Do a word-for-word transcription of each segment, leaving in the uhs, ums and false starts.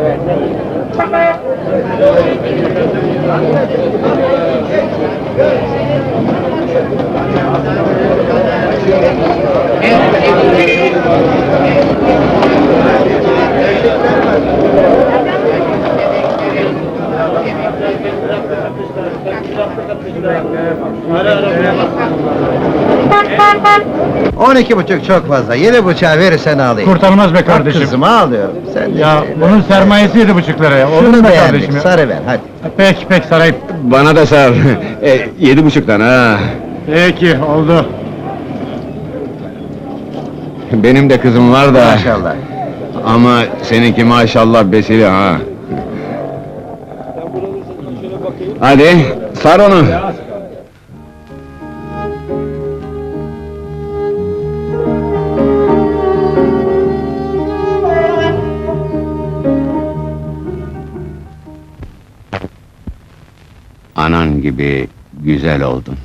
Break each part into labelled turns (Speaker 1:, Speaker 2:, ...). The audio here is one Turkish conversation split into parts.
Speaker 1: On iki buçuk çok fazla. Yedi buçuğa verirsen alayım.
Speaker 2: Kurtarmaz be
Speaker 1: Bak
Speaker 2: kardeşim.
Speaker 1: kızımı alıyorum. Sen de
Speaker 2: Ya
Speaker 1: şey ver.
Speaker 2: bunun sermayesi yedi buçuk liraya. Olur
Speaker 1: Şunu
Speaker 2: mu be
Speaker 1: beğendik.
Speaker 2: kardeşim ya?
Speaker 1: Sarı ver hadi.
Speaker 2: Pek pek sarayım.
Speaker 3: Bana da sar. e, yedi buçuktan ha.
Speaker 2: Peki oldu.
Speaker 3: Benim de kızım var da.
Speaker 1: Maşallah.
Speaker 3: Ama seninki maşallah besili ha. Hadi sar onu. Anan gibi güzel oldun.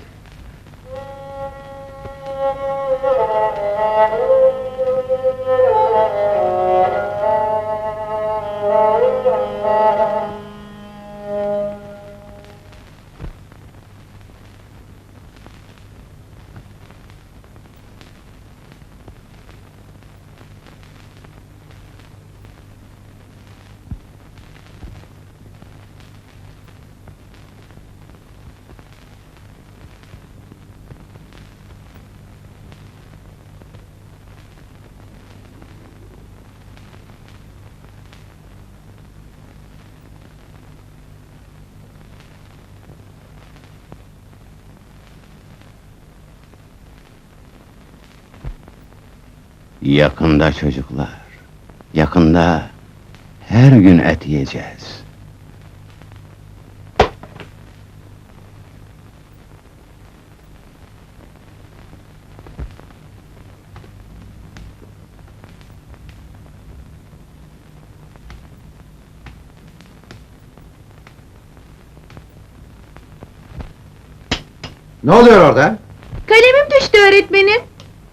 Speaker 3: Yakında çocuklar, yakında her gün et yiyeceğiz.
Speaker 1: Ne oluyor orada?
Speaker 4: Kalemim düştü öğretmenim.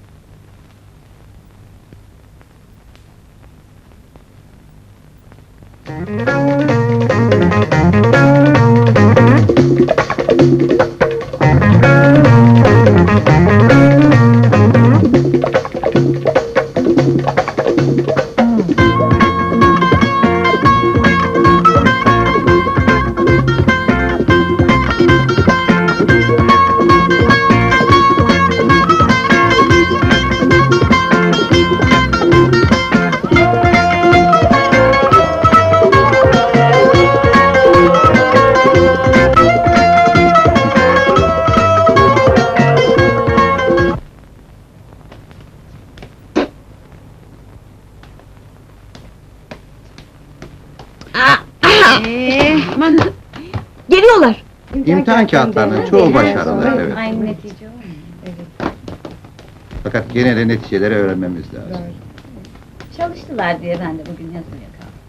Speaker 4: Ee, aman. Geliyorlar.
Speaker 1: İmtihan kağıtlarının çoğu başarılı, evet.
Speaker 4: Aynı netice olmuyor. Evet.
Speaker 1: Fakat gene de neticeleri öğrenmemiz lazım.
Speaker 4: Çalıştılar diye ben de bugün yazmaya kaldım.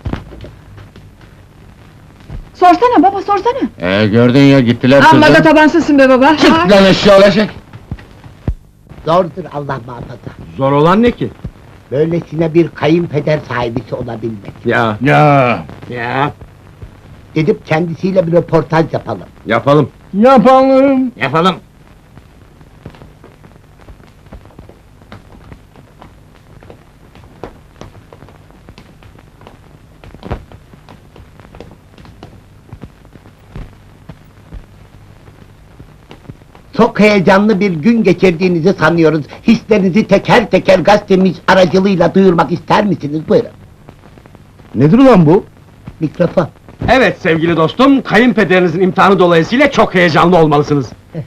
Speaker 5: Sorsana baba, sorsana!
Speaker 3: Ee, gördün ya gittiler
Speaker 5: Amma da
Speaker 3: kızım.
Speaker 5: tabansızsın be baba!
Speaker 3: Çık lan eşya olacak.
Speaker 6: Zordur Allah muhafaza.
Speaker 2: Zor olan ne ki?
Speaker 6: Böylesine bir kayınpeder sahibisi olabilmek.
Speaker 2: Ya. Ya. Ya.
Speaker 6: Gidip kendisiyle bir röportaj yapalım.
Speaker 2: Yapalım. Yapalım. Yapalım.
Speaker 6: Çok heyecanlı bir gün geçirdiğinizi sanıyoruz. Hislerinizi teker teker gazetemiz aracılığıyla duyurmak ister misiniz? Buyurun.
Speaker 2: Nedir ulan bu?
Speaker 6: Mikrofon.
Speaker 7: Evet sevgili dostum, kayınpederinizin imtihanı dolayısıyla çok heyecanlı olmalısınız.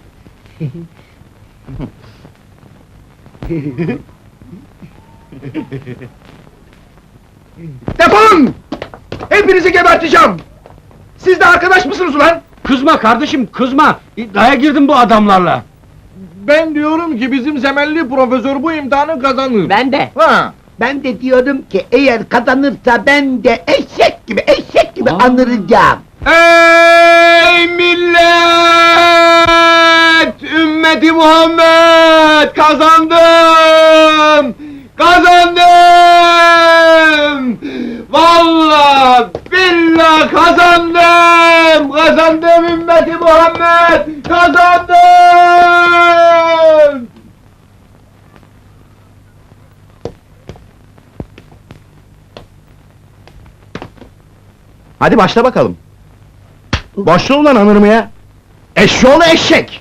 Speaker 2: Defolun! Hepinizi geberteceğim! Siz de arkadaş mısınız ulan?
Speaker 7: Kızma kardeşim, kızma! İddiaya girdim bu adamlarla!
Speaker 2: Ben diyorum ki bizim Zemelli profesör bu imtihanı kazanır.
Speaker 6: Ben de.
Speaker 2: Ha!
Speaker 6: Ben de diyorum ki eğer kazanırsa ben de eşek gibi eşek gibi anıracağım.
Speaker 7: Ey millet! Ümmeti Muhammed! Kazandım! Kazandım!
Speaker 2: Vallahi billah kazandım! Kazandım ümmeti Muhammed! Kazandım! Hadi başla bakalım. Başla ulan anırmaya! Eşşoğlu eşek!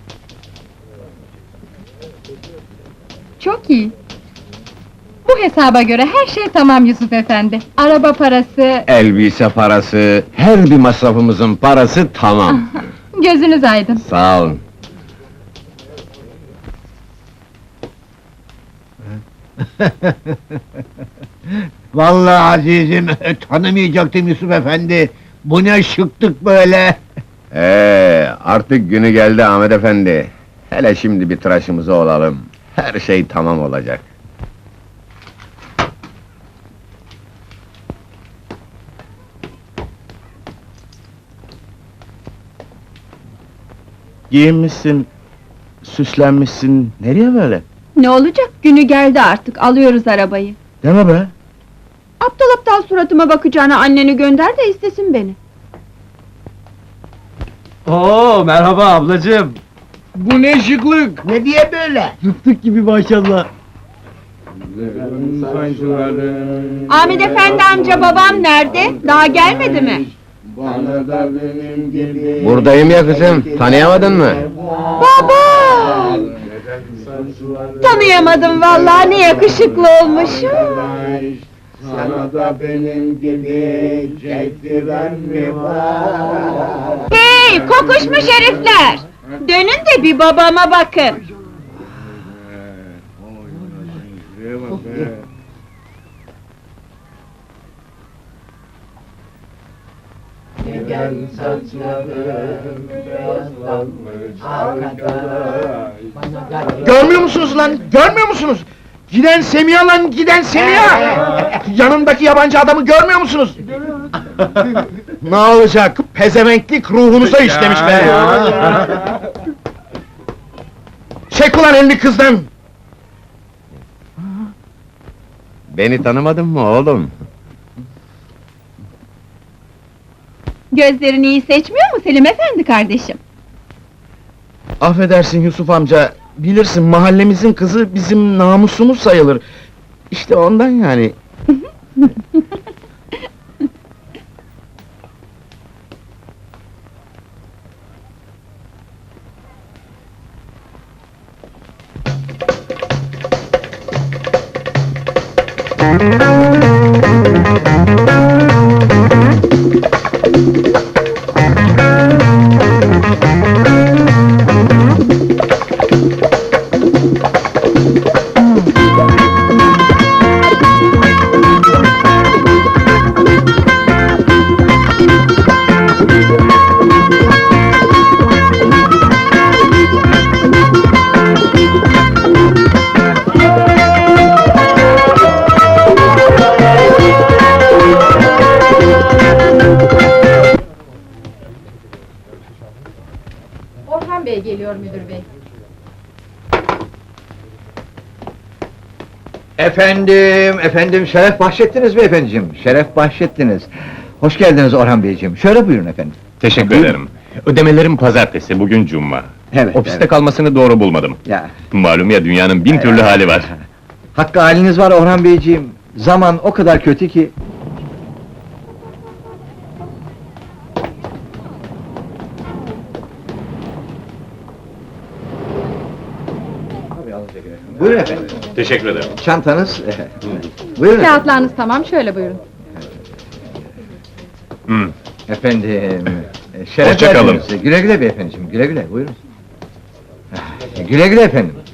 Speaker 5: Çok iyi. Bu hesaba göre her şey tamam Yusuf efendi. Araba parası,
Speaker 3: Elbise parası, her bir masrafımızın parası tamam.
Speaker 5: gözünüz aydın.
Speaker 3: Sağ olun.
Speaker 6: Vallahi azizim, tanımayacaktım Yusuf efendi. Bu ne şıktık böyle.
Speaker 3: Ee, artık günü geldi Ahmet efendi. Hele şimdi bir tıraşımızı olalım. Her şey tamam olacak.
Speaker 2: Giyinmişsin, süslenmişsin, nereye böyle?
Speaker 5: Ne olacak? Günü geldi artık, alıyoruz arabayı.
Speaker 2: Deme be!
Speaker 5: Aptal aptal suratıma bakacağına anneni gönder de istesin beni.
Speaker 7: Oo, merhaba ablacığım.
Speaker 2: Bu ne şıklık!
Speaker 6: Ne diye böyle?
Speaker 7: Fıstık gibi maşallah.
Speaker 5: Ahmet efendi amca babam nerede? Daha gelmedi mi?
Speaker 3: Buradayım ya kızım, tanıyamadın mı?
Speaker 5: Baba! Tanıyamadım vallahi, ne yakışıklı olmuşum.
Speaker 6: Sana da benim gibi çektiren mi var?
Speaker 5: Hey, kokuşmuş herifler! Dönün de bir babama bakın.
Speaker 2: Görmüyor musunuz lan? Görmüyor musunuz? Giden Semiha lan, giden Semiha! Yanındaki yabancı adamı görmüyor musunuz? Ne olacak? Pezevenklik ruhunuza işlemiş be! Çek ulan elini kızdan!
Speaker 3: Beni tanımadın mı oğlum?
Speaker 5: Gözlerini iyi seçmiyor mu Selim efendi kardeşim?
Speaker 2: Affedersin Yusuf amca, bilirsin mahallemizin kızı bizim namusumuz sayılır. İşte ondan yani.
Speaker 5: Orhan Bey geliyor müdür bey.
Speaker 1: Efendim, efendim, şeref bahşettiniz beyefendiciğim, şeref bahşettiniz. Hoş geldiniz Orhan Beyciğim, şöyle buyurun efendim.
Speaker 3: Teşekkür ederim. Ödemelerim pazartesi, bugün cuma.
Speaker 1: Evet,
Speaker 3: Ofiste
Speaker 1: evet.
Speaker 3: kalmasını doğru bulmadım.
Speaker 1: Ya,
Speaker 3: Malum ya, dünyanın bin türlü hali var.
Speaker 1: hakkı haliniz var Orhan Beyciğim, zaman o kadar kötü ki... Buyurun efendim,
Speaker 3: Teşekkür ederim.
Speaker 1: çantanız... Buyurun efendim.
Speaker 5: Kağıtlarınız tamam, şöyle buyurun.
Speaker 3: Hı.
Speaker 1: Efendim, e, şeref
Speaker 3: Hoşça kalın.
Speaker 1: verdiniz. Güle güle beyefendiciğim, güle güle, buyurun. Güle güle efendim.